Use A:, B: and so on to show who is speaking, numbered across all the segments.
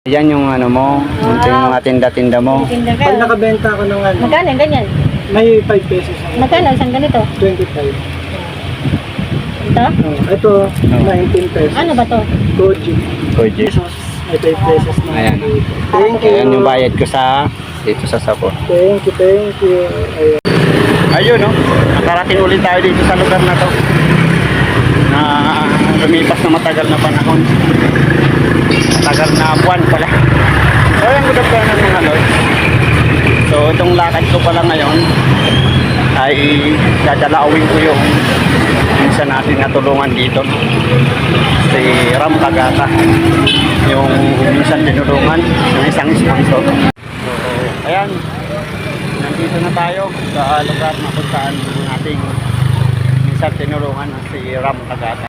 A: Yan yung ano mo, yung mga tinda-tinda mo.
B: Tinda ka.
C: Pag nakabenta ako ng ano,
B: Magkano yung ganyan?
C: may 5 pesos ako.
B: Magkano isang ganito?
C: 25.
B: Ito?
C: Ito, 19 pesos.
B: Ano ba to?
C: Koji.
A: Koji.
C: Pesos. May 5 pesos na.
A: Ayan.
C: Thank you.
A: Ayan yung bayad ko sa dito sa Sapor.
C: Thank you, thank you. Ayan.
A: Ayun no, nakarating ulit tayo dito sa lugar na to. Na lumipas na matagal na panahon. Matagal na buwan pala. So yung good afternoon mga Lord. So itong lakad ko pala ngayon ay dadalawin ko yung minsan natin natulungan dito. Si Ram Kagata. Yung minsan tinulungan ng isang sponsor. So ayan. Nandito na tayo sa lugar na kung saan ating minsan tinulungan si Ram Kagata.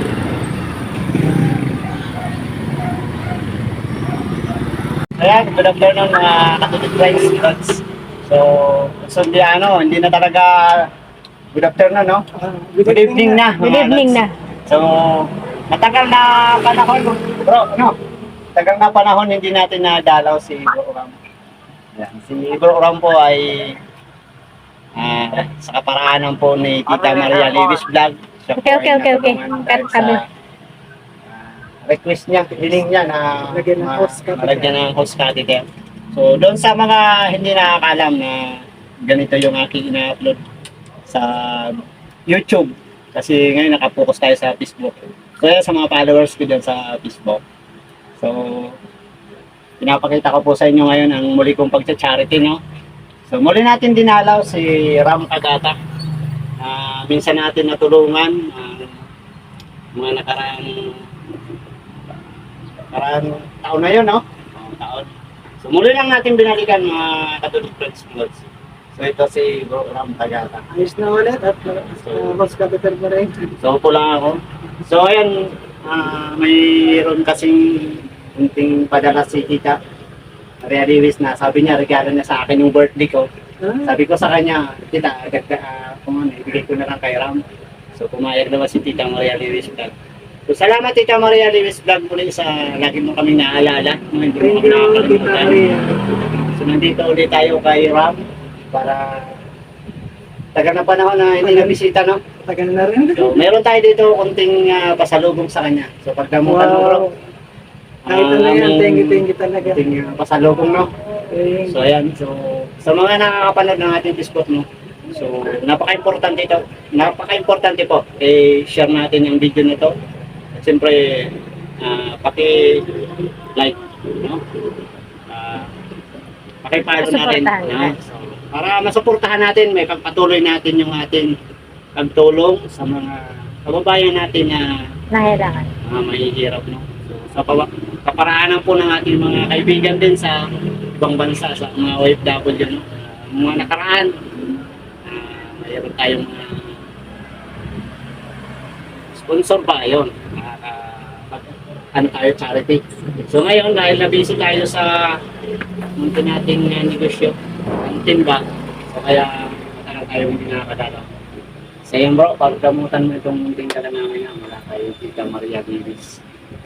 A: Ayan, good afternoon mga katulit friends. So, hindi na talaga good afternoon, no? Good evening na.
B: Good evening na.
A: So, matagal na panahon, bro, no? Matagal na panahon hindi natin nadalaw si Bro Ram. Ayan, si Bro Ram po ay sa kaparaanan po ni Tita Maria Levis Vlog. Siya po
B: Okay.
A: ay natulungan dahil sa request niya, hiling niya na
C: Lagyan ng host catheter.
A: malagyan ng host catheter. So, doon sa mga hindi nakakalam na ganito yung aking ina-upload sa YouTube. Kasi ngayon nakapokus tayo sa Facebook. So, yan sa mga followers ko dyan sa Facebook. So, pinapakita ko po sa inyo ngayon ang muli kong pagcha-charity, no? So, muli natin dinalaw si Ram Kagata. Minsan natin natulungan mga nakaraang taon na yun, no? Taon. So, muli lang natin binalikan mga katulad friends. So, ito si Bro Ram Kagata.
C: Ayos na ulit at host catheter pa rin.
A: So, upo lang ako. So, ayan, mayroon kasing kunting padala si Tita Maria Lewis na sabi niya, regalo niya sa akin yung birthday ko. Sabi ko sa kanya, Tita, kung ano, ibigay ko na lang kay Ram. So, pumayag naman si Tita Maria Lewis Vlog. So, salamat Tita Maria Lewis Vlog muli sa lagi mo kaming naalala. Hindi mo
C: Thank
A: kami
C: you, Tita
A: nakakalimutan.
C: Maria.
A: So, nandito ulit tayo kay Ram para tagal na panahon na hindi na bisita, no?
C: Tagal na rin.
A: So, meron tayo dito kunting pasalubong sa kanya. So, pagdamutan mo, bro.
C: Kahit ano yan, thank you talaga.
A: Kunting pasalubong, no?
C: Thank
A: So, ayan. So, sa mga nakakapanood ng ating Facebook, no? So, napaka-importante ito. Napaka-importante po. I-share natin yung video na ito. At siyempre, paki-like, no? Paki-follow natin. No? So, para masuportahan natin, may pagpatuloy natin yung ating pagtulong sa mga kababayan natin na
B: Nahirapan.
A: mahihirap, no? So, sa kaparaanan po ng ating mga kaibigan din sa ibang bansa, sa mga OFW, no? Mga nakaraan, mayroon tayong sponsor pa, yun. Ano tayo, charity. So ngayon, dahil na-busy tayo sa munti nating negosyo, ang timba, so kaya matagal tayo hindi nakakadala. So yun bro, pagdamutan mo itong munting ka lang namin mula kay Tita Maria Davis.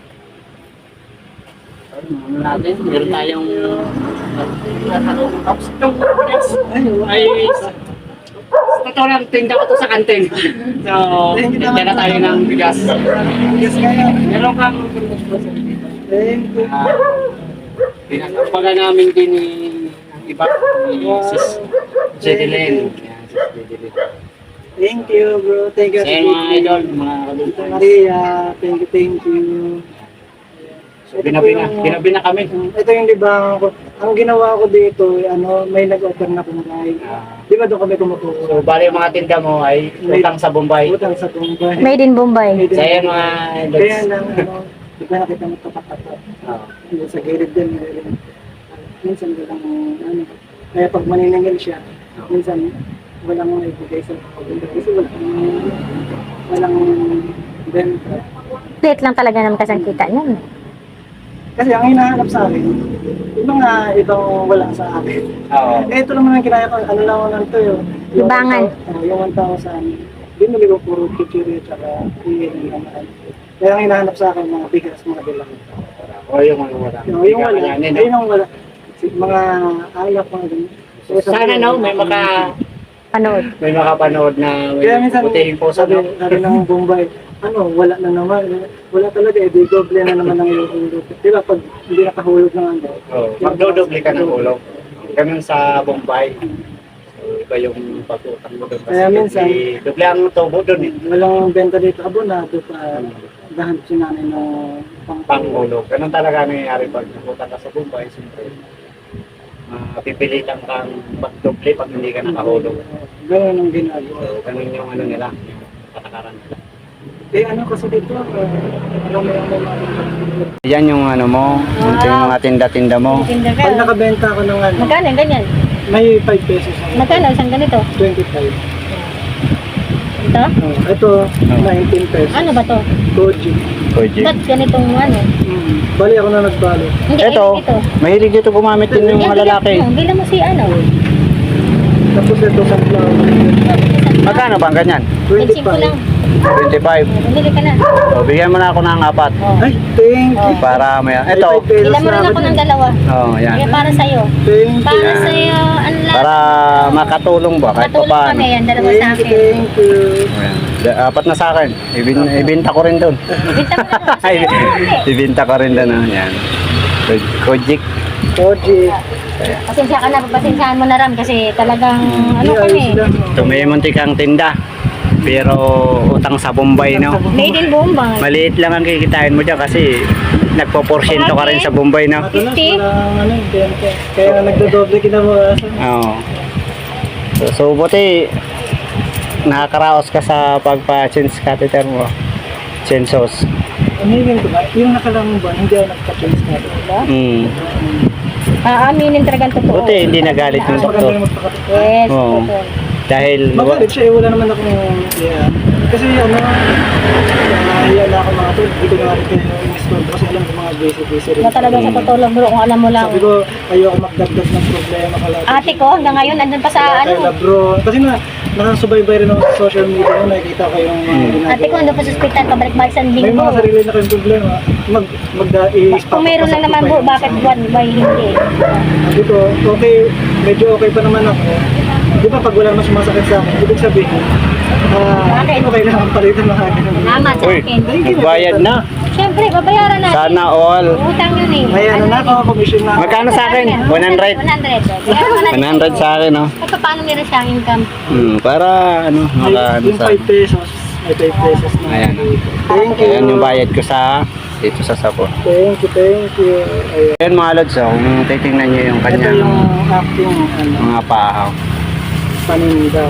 A: So, ano natin, meron tayong tapos itong ay totoo lang, tinda ko to sa kantin. So, tinda na tayo ng bigas.
C: Yes, kaya.
A: Meron kang
C: Thank you.
A: pinagpaga namin din ni ang iba ni Sis Jedeline. Sis Jedeline.
C: Thank you, bro. Thank you.
A: Sa mga idol, mga
C: Tita
A: kadultang.
C: Maria, thank you.
A: So, binabi na kami.
C: Ito yung libangan ko. Ang ginawa ko dito, may nag-offer na kumakain. Di ba doon kami kumukuha?
A: So, bali yung mga tinda mo ay utang sa Bombay.
C: Utang sa Tumbay.
B: Made in Bombay.
A: Sa yan mga idols.
C: Kaya lang, di ba nakita mo tapat-tapat? Sa gilid din. Minsan walang, kaya pag maniningil siya, minsan walang ibigay sa pagpunta. Kasi walang benta.
B: Late lang talaga naman kasi ang kita niyan.
C: Kasi ang hinahanap sa akin, yung mga ibang walang sa akin.
A: Oo.
C: Ito naman ang kinaya ko, ano lang lang to yun.
B: Libangan.
C: Yung 1,000. Binili ko puro kitchery at saka iyan naman. Kaya ang hinahanap sa akin, mga bigas, mga bilang.
A: O yung mga wala.
C: Yung wala, ayun ang wala. Mga alak, mga ganyan.
A: Sana no,
B: Panood.
A: may makapanood na may
C: Kaya minsan,
A: butihing puso,
C: sabi
A: no?
C: ng Bombay, wala na naman. Wala talaga, di doble na naman ang hulog. Di ba, pag hindi nakahulog ng ano.
A: Oh, magdodoble ka ng ulog. Ganun sa Bombay. So, iba yung pag-utang mo doon.
C: Kaya minsan,
A: doble ang tubo doon eh.
C: walang benta dito abonado pa. Gahanap si nanay na
A: Panghulog. Ganun talaga nangyayari pag nakutang ka sa Bombay. Siyempre, pipilitan kang magdoble pag hindi ka nakahulog.
C: Ganun ang ginagawa.
A: So, ganun yung ano nila, yung patakaran nila.
C: Ano kasi dito,
A: Yan yung ano mo, yung mga tinda-tinda mo.
B: Tinda ka.
C: pag nakabenta ako ng ano,
B: Magkano yung ganyan?
C: may 5 pesos ako.
B: Magkano isang ganito?
C: 25.
B: Ito?
C: Ito, 19 pesos.
B: Ano ba to?
C: Koji.
A: Koji.
B: Ba't ganitong ano?
C: Bali ako na nagbalo.
B: Hindi,
A: Ito,
B: ito.
A: mahilig dito gumamit din yung mga lalaki.
B: Bilang mo si ano?
C: Tapos ito sunflower.
A: Magkano bang ganyan?
B: 25 lang.
A: 25.
B: Bumili ka na.
A: O, bigyan mo na ako ng 4
B: Oh.
C: Ay, thank you.
A: para may...
C: May
A: Ito.
C: 5 pesos
B: Bilang mo rin
C: na
B: ako ng dalawa.
A: Oh, yan.
B: Kaya para sa'yo.
C: Thank you.
B: Para sa'yo, ang lahat.
A: Para makatulong ba kahit pa
B: Matulong
A: paano.
B: kami yan, dalawa sa
C: Thank you,
B: akin.
C: thank you.
A: Ayan. 4 na sa akin. Ibinta ko rin doon.
B: Bita mo na.
A: Ay, ibinta ko rin doon. Yan. Kojik.
C: Koji.
B: Pasensya ka na, pasensyahan mo na Ram kasi talagang ano
C: Di,
B: kami.
C: ayos lang.
A: Ito may muntikang tinda. Pero utang sa Bombay, no?
B: Made in Bombay.
A: Maliit lang ang kikitain mo dyan kasi nagpo-porsyento ka rin sa Bombay, no?
C: Matalas,
B: 50?
C: walang ano, benta. Kaya nga nagdodoble kinabukasan.
A: Oo. So, buti nakakaraos ka sa pagpa-change catheter mo. Chensos.
C: Aminin ko ba? Yung nakalang ba, hindi ako nagka-change na.
A: Mm.
B: Aaminin talagang totoo.
A: Buti hindi nagalit yung
C: Mas maganda
A: doktor.
C: yung magpakatot.
B: Yes,
A: Oo.
B: totoo.
A: Dahil
C: Magalit siya, wala naman akong yeah. Kasi nahiya na ako mga to, hindi ko na rin kayo kasi alam ko mga basic rin.
B: Na talaga sa totoo lang bro, kung alam mo lang.
C: Sabi ko, ayoko magdagdag ng problema kalati.
B: Ate ko hanggang ngayon nandun pa sa
C: Kaya
B: ano.
C: bro, kasi nakasubaybay rin ako sa social media ko, nakikita ko yung mga ginagawa.
B: Ate ko nandun pa sa ospital, pabalik-balik sa
C: May
B: linggo.
C: mga sarili na kayong problema,
B: Kung meron lang naman po, bakit buwan ba hindi?
C: Sabi ko, okay, medyo okay pa naman ako. Di ba pag wala naman sumasakit sa akin, ibig sabihin, okay lang ang palitan ng akin.
B: Salamat sa
A: Uy,
B: akin.
A: magbayad na.
B: Siyempre, babayaran natin.
A: Sana all.
B: Utang yun eh.
C: May ano na ako, commission na ako.
A: Magkano sa akin? 100. 100 sa akin, no?
B: At paano meron siyang income?
A: Para ano, maka ano
C: Yung
A: sa...
C: 5 pesos, may 5 pesos na.
A: Ayan.
C: Thank you.
A: Ayan yung bayad ko sa dito sa sapon.
C: Thank you, thank you. Ayan.
A: Ayan mga lods, oh, kung titingnan nyo yung
C: Ito
A: kanyang
C: yung acting
A: mga pahaw.
C: paninda.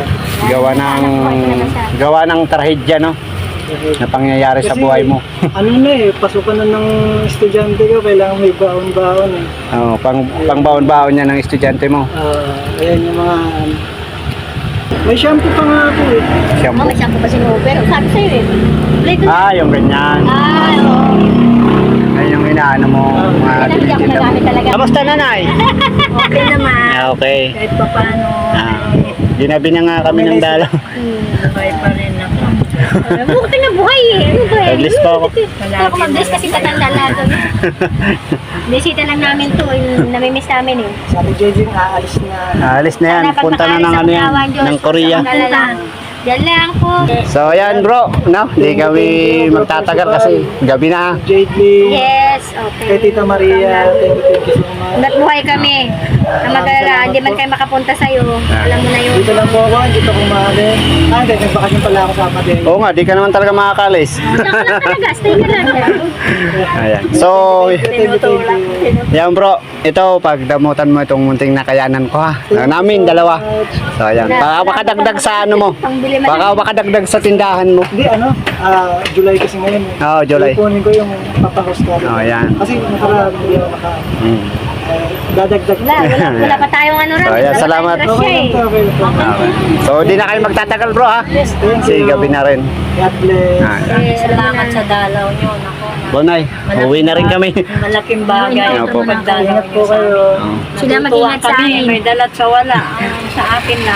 A: Gawa ng trahedya, no? Na pangyayari sa
C: Kasi,
A: buhay mo.
C: ano na eh, pasukan na ng estudyante ko, kailangan may baon-baon eh.
A: Oh, pang baon-baon niya ng estudyante mo.
C: Ayan yung mga... may shampoo pa nga ako eh.
A: Shampoo.
B: May shampoo pa si Mo, pero sabi sa'yo eh. Play ko.
A: Yung ganyan.
B: Oo.
A: Ayun yung inaano mo. Mga
B: Kaya hindi ako
A: tinitinda mo.
B: nagamit talaga.
A: Kamusta nanay?
B: Okay naman.
A: Okay.
B: Kahit pa paano.
A: Ginabi na nga kami ng dalaw.
B: Buhay pa rin ako. Buti na buhay eh. Ano ba eh?
A: Nag-list pa ako.
B: Pero ako mag-list kasi tatanda lang. Bisita lang namin to. Yung namimiss namin eh.
C: Sabi JJ, aalis na.
A: Alis na yan.
B: Sana pag
A: Punta na ng ano yan.
B: makaalis sa
A: Ng Korea.
B: Yan lang po.
A: So ayan bro. No? Hindi kami magtatagal kasi gabi na.
C: JJ,
B: Yes, okay.
C: kay Tita Maria, thank you so much.
B: Hanggat buhay kami. Na mag-alala, hindi man kayo makapunta sa'yo. Alam mo na yun.
C: Dito lang po ako, dito ko maaari. Hindi, nagbakasyon pala ako sa Amadeo.
A: Oo nga, di ka naman talaga makakalis.
B: Diyan ka lang talaga. Stay ka lang.
A: Ayan. So,
B: Tinutulak.
A: yan bro. Ito, pagdamutan mo itong munting nakayanan ko ha. Namin, dalawa. So ayan. Baka makadagdag sa ano mo.
B: Pangbili man.
A: Baka makadagdag sa tindahan mo.
C: Hindi, July kasi ngayon.
A: Oo, July.
C: Ipunin ko yung papahost ko.
A: Yan.
C: Kasi nakaraan, hindi ako dadagdag.
B: Wala pa tayong ano rin.
A: So, ayan, salamat.
C: Okay lang to, okay lang to.
A: Okay. So, di na kayo magtatagal bro ha.
C: Thank
A: Kasi
C: you.
A: gabi na rin.
C: God bless.
B: Salamat sa dalaw nyo. Nako.
A: Bonay, uwi na rin kami.
D: Malaking bagay.
A: Opo.
C: Ingat po kayo.
B: Sila mag-ingat sa amin.
D: May dalat sa wala. Ang sa akin lang.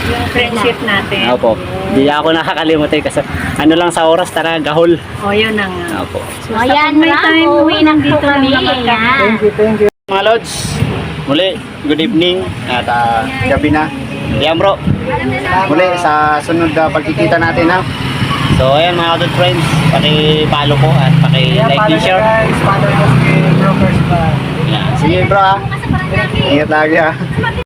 B: Yung friendship natin.
A: Opo. Di ako nakakalimutan kasi ano lang sa oras, tara, gahol.
B: O, yun na nga.
A: Opo.
B: So, ayan, may time uwi ng dito kami.
C: Thank you, thank you.
A: Mga Lods, muli, good evening at gabi na. Yan bro, muli sa sunod na pagkikita natin ha. So ayan mga good friends, paki-follow po at paki-like and share.
C: Guys, follow us kay Brokers pa.
A: Yan. Sige bro ha, ingat lagi ha.